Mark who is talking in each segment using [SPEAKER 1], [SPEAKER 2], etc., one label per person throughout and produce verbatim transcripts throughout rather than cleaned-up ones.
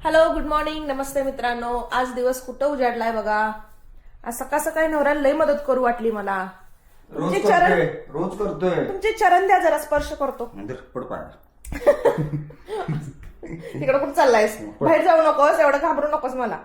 [SPEAKER 1] Hello, good morning, नमस्ते मित्रांनो. आज दिवस कुठं उजाडलाय बघा. आज सकाळ सकाळी नवऱ्याला लई मदत करू वाटली मला.
[SPEAKER 2] रोज
[SPEAKER 1] तुमचे
[SPEAKER 2] करतोय
[SPEAKER 1] चरण
[SPEAKER 2] रोज करतोय
[SPEAKER 1] तुमचे चरण द्या, जरा स्पर्श करतो.
[SPEAKER 2] नंतर पड पाय
[SPEAKER 1] तिकडे कुठं चाललायस? बाहेर जाऊ नकोस, एवढं घाबरू नकोस मला.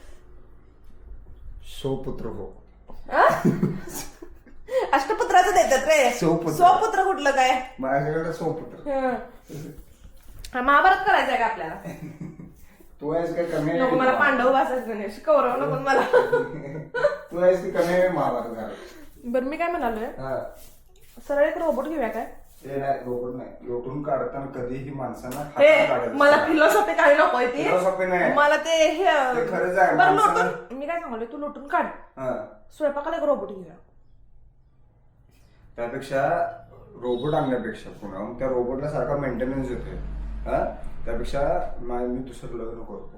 [SPEAKER 2] सौपुत्र हो.
[SPEAKER 1] आ? अष्टपुत्राचं देतात रे.
[SPEAKER 2] सौपुत्र.
[SPEAKER 1] सौपुत्र कुठलं काय?
[SPEAKER 2] माझ्याकडे सौपुत्र.
[SPEAKER 1] हं. हा, महाभारत करायचंय का आपल्याला?
[SPEAKER 2] तू आहेस काय कमी
[SPEAKER 1] नको, मला पांडव वाचायचं नाही. कौरव नको मला.
[SPEAKER 2] तू आहेस की कमी आहे महाभारत घरात.
[SPEAKER 1] बरं, मी काय म्हणालोय,
[SPEAKER 2] हा.
[SPEAKER 1] सरळ एक रोबोट घेऊया काय?
[SPEAKER 2] ते नाही रोबोट नाही, लोटून काढताना कधीही माणसांना
[SPEAKER 1] हे
[SPEAKER 2] हातात काढायचं.
[SPEAKER 1] मला फिलॉसॉफी काही नकोय ती.
[SPEAKER 2] Philosophy नाही.
[SPEAKER 1] मला ते हे
[SPEAKER 2] ते खरंच आहे,
[SPEAKER 1] बरं
[SPEAKER 2] माणसाला-
[SPEAKER 1] लोटून, मी काय सांगलोय, तू लोटून काढ.
[SPEAKER 2] हा.
[SPEAKER 1] स्वयंपाकाला एक रोबोट घेऊया.
[SPEAKER 2] त्यापेक्षा रोबोट आणण्यापेक्षा पुन्हा मग त्या रोबोटला सारखा मेंटेनन्स येतोय. हा त्यापेक्षा मा- मी दुसरं लग्न करतो.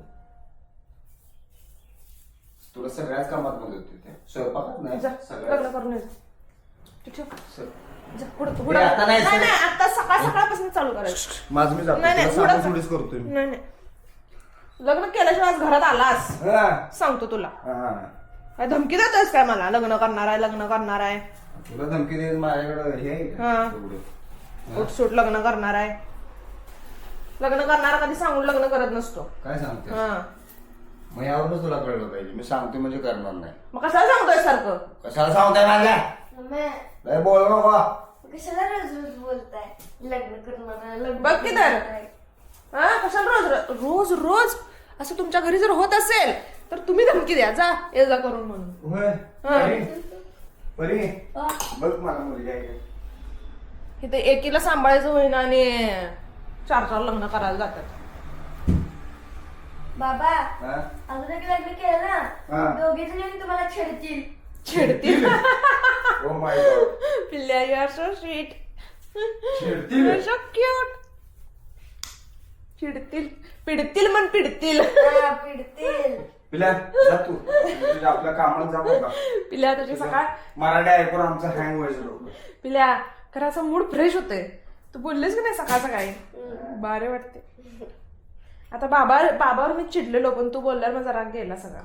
[SPEAKER 2] तुला सगळ्याच कामात मदत होते, स्वयंपाकात नाही
[SPEAKER 1] जा, लग्न
[SPEAKER 2] सगळ्यात.
[SPEAKER 1] करून ये. तू ठेव.
[SPEAKER 2] स-
[SPEAKER 1] जा, पुढं-
[SPEAKER 2] हे
[SPEAKER 1] पुढं.
[SPEAKER 2] आता नाही,
[SPEAKER 1] नाही
[SPEAKER 2] सर.
[SPEAKER 1] नाही, आता सकाळ सकाळपासून चालू करायचं.
[SPEAKER 2] माझं मी जातो,
[SPEAKER 1] नाही, नाही,
[SPEAKER 2] तुला
[SPEAKER 1] पुढं
[SPEAKER 2] सांगून
[SPEAKER 1] जा.
[SPEAKER 2] थोडीच करतोय मी.
[SPEAKER 1] नाही नाही, लग्न केल्याशिवाय आज घरात आलास
[SPEAKER 2] हा.
[SPEAKER 1] सांगतो तुला.
[SPEAKER 2] हा.
[SPEAKER 1] काय धमकी देतोयस काय मला? लग्न करणार आहे, लग्न करणार आहे,
[SPEAKER 2] तुला धमकी दे माझ्याकडे हे आहे का?
[SPEAKER 1] हा.
[SPEAKER 2] एवढं.
[SPEAKER 1] उठसूट लग्न करणार आहे. लग्न करणारा कधी सांगून लग्न करत नसतो.
[SPEAKER 2] काय सांगते
[SPEAKER 1] हा,
[SPEAKER 2] मग यावरूनच तुला कळलं पाहिजे, मी सांगते म्हणजे करणार नाही.
[SPEAKER 1] मग कशाला सांगतोय सारखं?
[SPEAKER 2] कशाला सांगताय माझ्या
[SPEAKER 3] मम्मी,
[SPEAKER 2] लय बोल नको.
[SPEAKER 3] कशाला रोज रोज बोलताय लग्न करणार लग्न
[SPEAKER 1] बघ की तर.
[SPEAKER 3] करणार?
[SPEAKER 1] हा, कशाला रोज रोज रोज असं तुमच्या घरी जर होत असेल तर तुम्ही धमकी द्या, जा ये जा करून म्हणून.
[SPEAKER 2] होय.
[SPEAKER 1] हा.
[SPEAKER 2] परी, परी,
[SPEAKER 3] आ,
[SPEAKER 2] बघ मला मुलगी आहे का?
[SPEAKER 1] इथे एकीला सांभाळायचं होईना आणि चार चार लग्न करायला जातात.
[SPEAKER 3] बाबा
[SPEAKER 2] हा?
[SPEAKER 3] अजून एक लग्न केलं
[SPEAKER 2] हा.
[SPEAKER 3] ना दोघे जण तुम्हाला छेडतील.
[SPEAKER 1] चिडतील.
[SPEAKER 2] Oh my God.
[SPEAKER 1] पिल्ल्या, यू आर सो स्वीट,
[SPEAKER 2] चिडतील?
[SPEAKER 1] You are so cute. चिडतील, पिडतील म्हण, पिडतील.
[SPEAKER 3] हा, पिडतील.
[SPEAKER 2] पिल्या जा तू तुझ्या आपल्या कामाला जा बघा.
[SPEAKER 1] पिल्ल्या, तुझी सकाळ
[SPEAKER 2] मराठी ऐकून आमचं हँग व्हायचं डोकं.
[SPEAKER 1] पिल्ल्या, खरं मूड फ्रेश होते. तू बोललीस की नाही सकाळ सकाळी, बारे वाटते. आता बाबा बाबावर मी चिडलेलो, पण तू बोलल्यावर मग जरा गेला सगळा.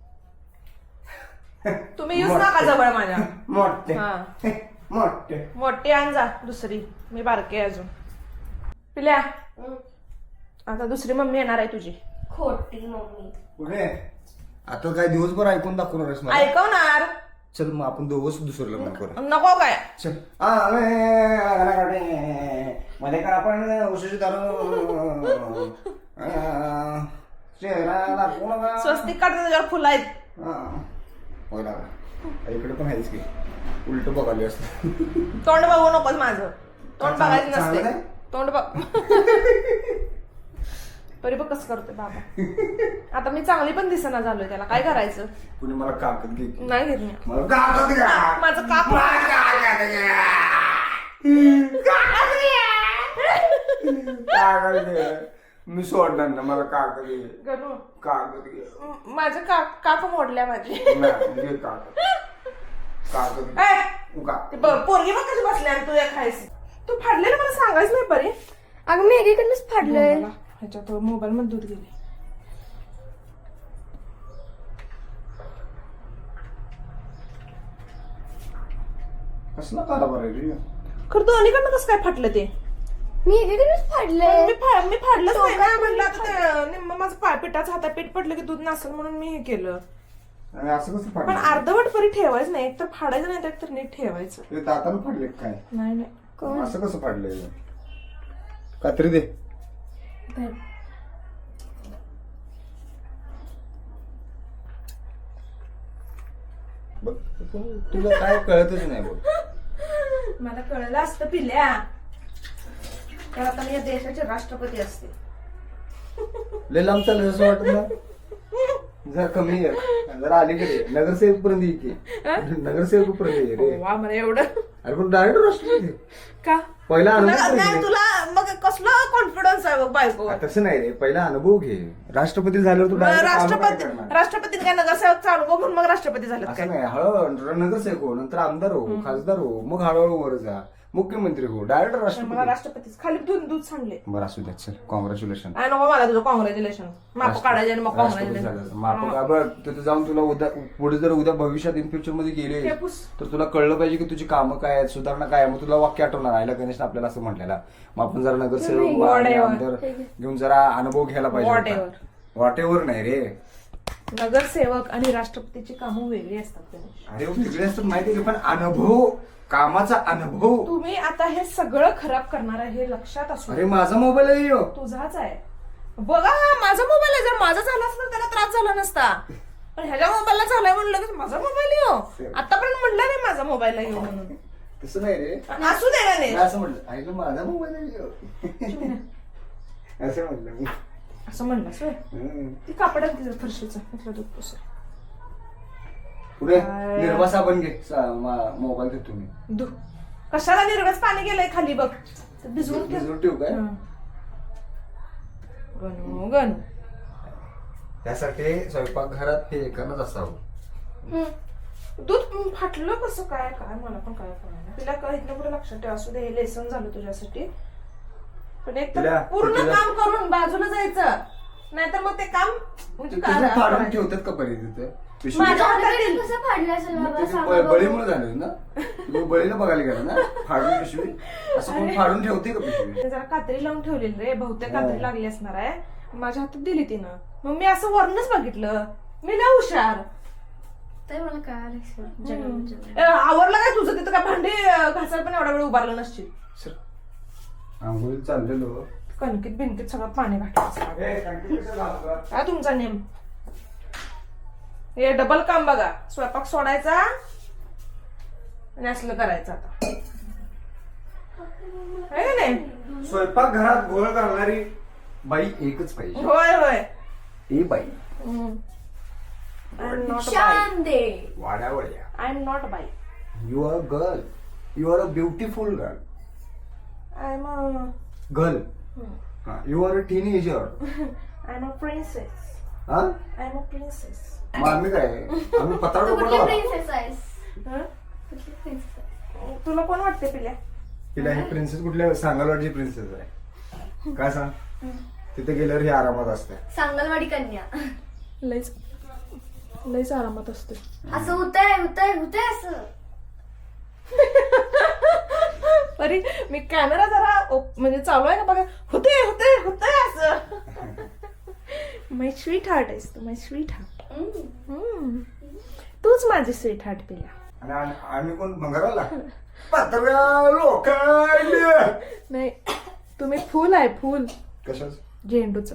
[SPEAKER 1] तुम्ही येऊच नका जवळ माझ्या.
[SPEAKER 2] मोठे
[SPEAKER 1] हा,
[SPEAKER 2] मोठे.
[SPEAKER 1] मोठी आण जा दुसरी, मी बारके आहे अजून. पिल्या,
[SPEAKER 3] हं,
[SPEAKER 1] आता दुसरी मम्मी येणार आहे तुझी.
[SPEAKER 3] खोटी मम्मी.
[SPEAKER 2] पुढे आता काय दिवसभर ऐकून दाखवणार आहेस मला?
[SPEAKER 1] ऐकवणार
[SPEAKER 2] चल मग आपण दोघंच दुसरं लग्न करू.
[SPEAKER 1] नको काय.
[SPEAKER 2] चल आले मध्ये का आपण उशीची दारू चेहरा कोण
[SPEAKER 1] स्वस्तिक काढते त्याच्यावर फुलं आहेत.
[SPEAKER 2] होय ना, इकडे पण आहेच की उलट बघाली असत.
[SPEAKER 1] तोंड बघू नकोस माझं. तोंड
[SPEAKER 2] चांगलं-
[SPEAKER 1] बघायचं
[SPEAKER 2] चांगलं
[SPEAKER 1] नसते.
[SPEAKER 2] नाही?
[SPEAKER 1] तोंड बघ. तरी बघ कसं करतोय बाबा. आता मी चांगली पण दिसेना झालोय, त्याला काय करायचं?
[SPEAKER 2] कुणी मला काकत घे की.
[SPEAKER 1] नाही घेत मी.
[SPEAKER 2] मला काकत घ्या.
[SPEAKER 1] माझं काक
[SPEAKER 2] मला काकत घ्या. काकत घे. मी सोडणार ना, मला काकत घे.
[SPEAKER 1] गणू,
[SPEAKER 2] काकत घे.
[SPEAKER 1] म- माझं काक काक मोडल्या माझी.
[SPEAKER 2] नाही, घे काकत. काकत घे.
[SPEAKER 1] ए,
[SPEAKER 2] उगा.
[SPEAKER 1] ते ब- पोरगी बघ कशी बसल्या आणि तू एक खायस. तू फाडलेलं मला सांगायचं नाही परी.
[SPEAKER 3] अगं मी एकीकडनंच फाडलंय.
[SPEAKER 1] मला ह्याच्यात मोबाईल मध्ये दूध गेले.
[SPEAKER 2] कसला कारभार आहे रे?
[SPEAKER 1] खरं तू अलीकडनं कसं काय फाटलं ते?
[SPEAKER 3] मी एकीकडनंच फाडलंय.
[SPEAKER 1] मी फा- मी फाडलंच नाही ना.
[SPEAKER 3] टोकात
[SPEAKER 1] म्हणलं आता ते निम्म माझं पाय पिठाचं हातात पीठ पडलं की दूध नसेल म्हणून मी हे केलं.
[SPEAKER 2] आणि असं कसं
[SPEAKER 1] पण
[SPEAKER 2] फाडलं?
[SPEAKER 1] अर्धवट परी ठेवायचं नाही, एकतर फाडायचं नाही, तर नीट ठेवायचं.
[SPEAKER 2] ते दातानं फाडले काय?
[SPEAKER 1] नाही नाही.
[SPEAKER 2] असं कसं फाडलंय? कात्री दे. बघ तुला काय कळतच नाही बघ.
[SPEAKER 1] मला कळलं असतं पिल्या, तर आता मी या देशाचे राष्ट्रपती असते.
[SPEAKER 2] लय लांब चाललं असं वाटत ना. जरा कमी ये, जरा अलीकडे ये. नगरसेवक पर्यंत ये की. नगरसेवक पर्यंत ये रे.
[SPEAKER 1] वा, मला एवढं
[SPEAKER 2] अरे पण डायरेक्ट राष्ट्रपती
[SPEAKER 1] का?
[SPEAKER 2] पहिला
[SPEAKER 1] तुला
[SPEAKER 2] अनुभव
[SPEAKER 1] नाही,
[SPEAKER 2] पाहिजे.
[SPEAKER 1] तुला मग कसलं कॉन्फिडन्स आहे बघ बायको
[SPEAKER 2] हा, तसं नाही रे पहिला अनुभव घे. राष्ट्रपती झाल्यावर तू direct कामं काय
[SPEAKER 1] राष्ट्रपती
[SPEAKER 2] करणार?
[SPEAKER 1] राष्ट्रपती काय नगरसेवक चालू हो म्हणून मग राष्ट्रपती झाले
[SPEAKER 2] असं
[SPEAKER 1] काय
[SPEAKER 2] नाही हळूहळू नगरसेवक हो, नंतर आमदार हो, खासदार हो, मग हळूहळू वर जा, मुख्यमंत्री हो, डायरेक्ट
[SPEAKER 1] मला
[SPEAKER 2] राष्ट्रपती.
[SPEAKER 1] राष्ट्रपतीच खाली दूध दूध सांगले
[SPEAKER 2] बरं असू द्या चल, कॉंग्रॅच्युलेशन.
[SPEAKER 1] आणि नको मला तुझं कॉंग्रॅच्युलेशन माप काढायचे आणि मग कॉंग्रॅच्युलेशन
[SPEAKER 2] माप का बघ तिथे जाऊन तुला उद्या पुढे जर उद्या भविष्यात इन फ्युचर मध्ये गेले
[SPEAKER 1] हे पुस.
[SPEAKER 2] तर तुला कळलं पाहिजे की तुझी कामं काय आहेत, सुधारणा काय आहे. मग तुला वाक्य आठवणार आयला गणेश आपल्याला असं म्हटलेला. मग आपण जरा नगरसेवक आणि
[SPEAKER 1] Whatever.
[SPEAKER 2] आमदार घेऊन जरा अनुभव घ्यायला पाहिजे.
[SPEAKER 1] Whatever.
[SPEAKER 2] वॉटेवर नाही रे.
[SPEAKER 1] नगरसेवक आणि राष्ट्रपतीची कामं वेगळी असतात गणेश.
[SPEAKER 2] अरे वेगळे असतात माहिती का, पण अनुभव, कामाचा अनुभव.
[SPEAKER 1] तुम्ही आता हे सगळं खराब करणार आहे हे लक्षात असू
[SPEAKER 2] अरे माझा मोबाईल आहे ह्यो.
[SPEAKER 1] तुझाच आहे बघा माझा मोबाईल आहे. जर माझा झाला असता तर त्याला त्रास झाला नसता, पण ह्याच्या मोबाईलला झालाय म्हणलं की माझा मोबाईल येऊ. आतापर्यंत म्हणलं नाही माझा मोबाईल येऊ म्हणून.
[SPEAKER 2] तसं नाही रे.
[SPEAKER 1] असू दे ना
[SPEAKER 2] मी असं म्हटलं ऐकलं माझा मोबाईल आहे ह्यो. असं म्हटलं मी.
[SPEAKER 1] असं म्हणलास होय.
[SPEAKER 2] हम्म.
[SPEAKER 1] ती कापडात तिचं फरशीचं इथलं दूध पुसं.
[SPEAKER 2] पुढे
[SPEAKER 1] काय?
[SPEAKER 2] निर्वा साबण घे, सा- मा- मोबाईल देतो मी.
[SPEAKER 1] दु कशाला निर्गच पाणी गेलंय खाली बघ ते भिजवून ठेव.
[SPEAKER 2] भिजवून ठेवू काय?
[SPEAKER 1] हं. गणू गणू
[SPEAKER 2] त्यासाठी स्वयंपाकघरात हे एकानंच असावं.
[SPEAKER 1] दूध फाटलं कसं काय काय मला पण काय कळलं तिला काय इथलं पुढे लक्षात ठेव. असू दे हे लेसन झालं तुझ्यासाठी, पण एक तर
[SPEAKER 2] तिला-
[SPEAKER 1] पूर्ण
[SPEAKER 2] तिला-
[SPEAKER 1] काम करून बाजूला जायचं, नाहीतर मग ते काम म्हणजे काय
[SPEAKER 2] तुझं फाडून
[SPEAKER 1] करायचं?
[SPEAKER 2] ठेवतात का परी तिथं पिशवी?
[SPEAKER 3] माझ्या
[SPEAKER 1] हातात
[SPEAKER 3] हातात
[SPEAKER 1] येईल.
[SPEAKER 3] कसं फाडलं असेल
[SPEAKER 2] मग
[SPEAKER 3] बाबा
[SPEAKER 2] ते
[SPEAKER 3] सांगा
[SPEAKER 2] ब-
[SPEAKER 3] बघू.
[SPEAKER 2] बळीमुळे झालं ना. तू बळीला बघायला गेला ना फाडून पिशवी. असं कोण फाडून ठेवते का पिशवी?
[SPEAKER 1] ते जरा कात्री लावून ठेवलेली रे, बहुतेक
[SPEAKER 2] हा.
[SPEAKER 1] कात्री लागली असणार आहे. माझ्या हातात दिली तिनं, मग मी असं वरूनच बघितलं. मी लय हुशार.
[SPEAKER 3] तर मला कळालं सर
[SPEAKER 1] हम्म.
[SPEAKER 3] जगन
[SPEAKER 1] ए, आवरलं काय तुझं? तिथं काय भांडी अं, घासायला पण एवढा वेळ उभारलं नसशील.
[SPEAKER 2] सर आंघोळीला चाललेलो.
[SPEAKER 1] कणकीत बिनकीत सगळं पाणी घातलं असणार.
[SPEAKER 2] ए, टाकी कसं घालतो?
[SPEAKER 1] काय तुमचा नेम? हे डबल काम बघा, स्वयंपाक सोडायचा आणि असलं करायचं आता. आहे का नाही?
[SPEAKER 2] स्वयंपाक घरात गोळ घालणारी बाई एकच पाहिजे.
[SPEAKER 1] होय होय.
[SPEAKER 2] ही बाई
[SPEAKER 1] आय एम नॉट बाय.
[SPEAKER 3] शान दे.
[SPEAKER 2] वाड्यावड्या.
[SPEAKER 1] आय एम नॉट बाय.
[SPEAKER 2] You are girl. You are a beautiful girl.
[SPEAKER 1] I am a
[SPEAKER 2] girl. You are a teenager.
[SPEAKER 1] I am a princess.
[SPEAKER 2] हा
[SPEAKER 1] आय एम अ प्रिन्सेस.
[SPEAKER 2] मग आम्ही काय आम्ही पताड
[SPEAKER 3] तू कुठली
[SPEAKER 2] पडलो.
[SPEAKER 3] प्रिन्सेस आहेस? कुठली प्रिन्सेस आहेस?
[SPEAKER 1] तुला कोण वाटते पिल्या?
[SPEAKER 2] तिला ही प्रिन्सेस कुठल्या सांगलवाडची प्रिन्सेस आहे. काय सांग तिथे गेल्यावर ही आरामात असते.
[SPEAKER 3] सांगलवाडी कन्या.
[SPEAKER 1] लईच लईच आरामात असते.
[SPEAKER 3] असं होतंय होतंय होतंय असं.
[SPEAKER 1] परी मी कॅमेरा जरा ओप- म्हणजे चालू आहे का बघा. होते होते होते असं. माय स्वीट हार्ट आहेस तू, माय स्वीट हार्ट. तूच माझी स्वीट हार्ट पिल्या.
[SPEAKER 2] आणि आम- आम्ही कोण भंगाराला पत्र्या लोकांना
[SPEAKER 1] नाही तुम्ही फुल आहे फुल
[SPEAKER 2] कशाच
[SPEAKER 1] झेंडूच.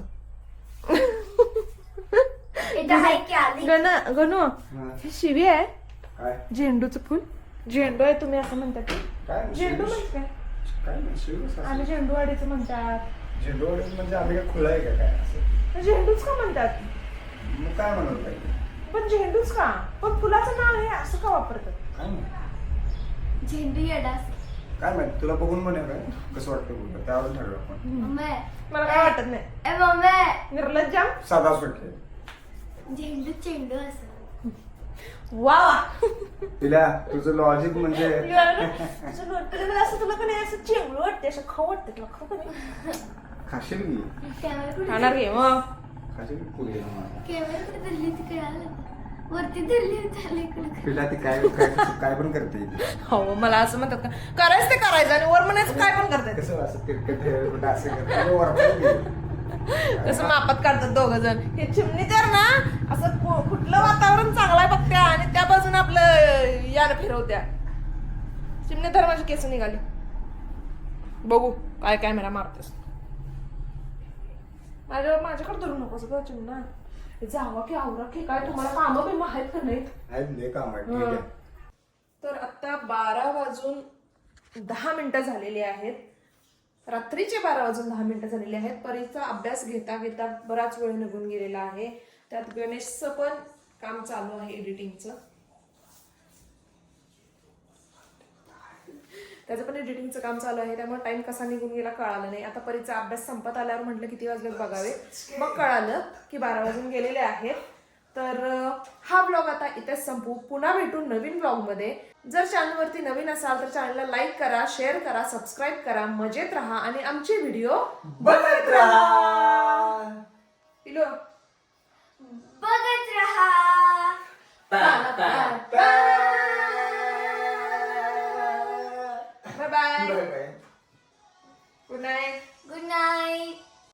[SPEAKER 3] इथं आहे की आली.
[SPEAKER 1] गण गणू हे शिवी आहे.
[SPEAKER 2] काय
[SPEAKER 1] झेंडूचं फुल झेंडू आहे तुम्ही असं म्हणतात की?
[SPEAKER 2] काय
[SPEAKER 1] झेंडू म्हणजे काय?
[SPEAKER 2] काय नाही, शिवच असं.
[SPEAKER 1] आम्ही झेंडूवाडीचं म्हणतात.
[SPEAKER 2] झेंडूवाडी म्हणजे आम्ही काय खुला आहे का काय असं?
[SPEAKER 1] झेंडूच का म्हणतात?
[SPEAKER 2] मग काय म्हणत पाहिजे
[SPEAKER 1] पण झेंडूच का? पण फुलाचं नाव हे असं का वापरतात?
[SPEAKER 2] काय माहित?
[SPEAKER 3] झेंडू येडास.
[SPEAKER 2] काय माहित तुला बघून म्हणे काय कसं वाटतं बोलतो त्यावर ठरवलं आपण.
[SPEAKER 3] मम्मी
[SPEAKER 1] मला काय वाटत नाही.
[SPEAKER 3] ए मम्मी
[SPEAKER 1] निर्लज्जाम.
[SPEAKER 2] साधा सुटके
[SPEAKER 3] झेंडू चेंडू असं.
[SPEAKER 1] वा
[SPEAKER 2] तिला तुझं लॉजिक म्हणजे
[SPEAKER 1] असं तुला का नाही असं चेंगळू वाटते, असं खाऊ वाटते तुला खाऊ का नाही?
[SPEAKER 2] खाशील की
[SPEAKER 3] कॅमेरा कुठे
[SPEAKER 1] खाणार घे मग.
[SPEAKER 2] खाशील की पुढे मला.
[SPEAKER 3] कॅमेरा कुठे धरली तिकडे आलं वरती धरली त्याला इकडे.
[SPEAKER 2] तिला ती काय काय काय पण करते ती.
[SPEAKER 1] हो मला असं म्हणतात का करायचं ते करायचं आणि वर म्हणायचं काय पण करतात.
[SPEAKER 2] कसं असं तिरकट हे कुठं असं करते वरती गेली.
[SPEAKER 1] कसं मापात काढतात दोघ जण. हे चिमणी तर ना असं कु- कुठलं वातावरण चांगलं आहे बघत्या आणि त्या बाजून आपलं यानं फिरवत्या. चिमणी तर माझी केस निघाली. बघू काय कॅमेरा मारतेस. माझ्या माझ्याकडे धरू नकोस ग चिमणा. जावा की आवरा की काय तुम्हाला कामं बिम आहेत का नाहीत?
[SPEAKER 2] आहेत लय काम आहे ठीक आहे.
[SPEAKER 1] तर आता बारा वाजून दहा मिनिटं झालेली आहेत. रात्रीचे बारा वाजून दहा मिनिटं झालेली आहेत. परीचा अभ्यास घेता घेता बराच वेळ निघून गेलेला आहे. त्यात गणेशचं पण काम चालू आहे एडिटिंगचं. त्याचं पण एडिटिंगचं काम चालू आहे, त्यामुळे टाइम कसा निघून गेला कळालं नाही. आता परीचा अभ्यास संपत आल्यावर म्हटलं किती वाजलेत बघावे, मग कळालं की बारा वाजून गेलेले आहेत. तर अं, हा ब्लॉग आता इथेच संपू. पुन्हा भेटू नवीन ब्लॉगमध्ये. जर चॅनलवरती नवीन असाल तर चॅनलला लाईक करा, शेअर करा, सबस्क्राईब करा, मजेत राहा आणि आमचे व्हिडिओ
[SPEAKER 2] बघत राहा.
[SPEAKER 1] पिलो
[SPEAKER 3] बघत राहा.
[SPEAKER 1] Bye bye,
[SPEAKER 2] bye bye.
[SPEAKER 1] Good night.
[SPEAKER 3] Good night.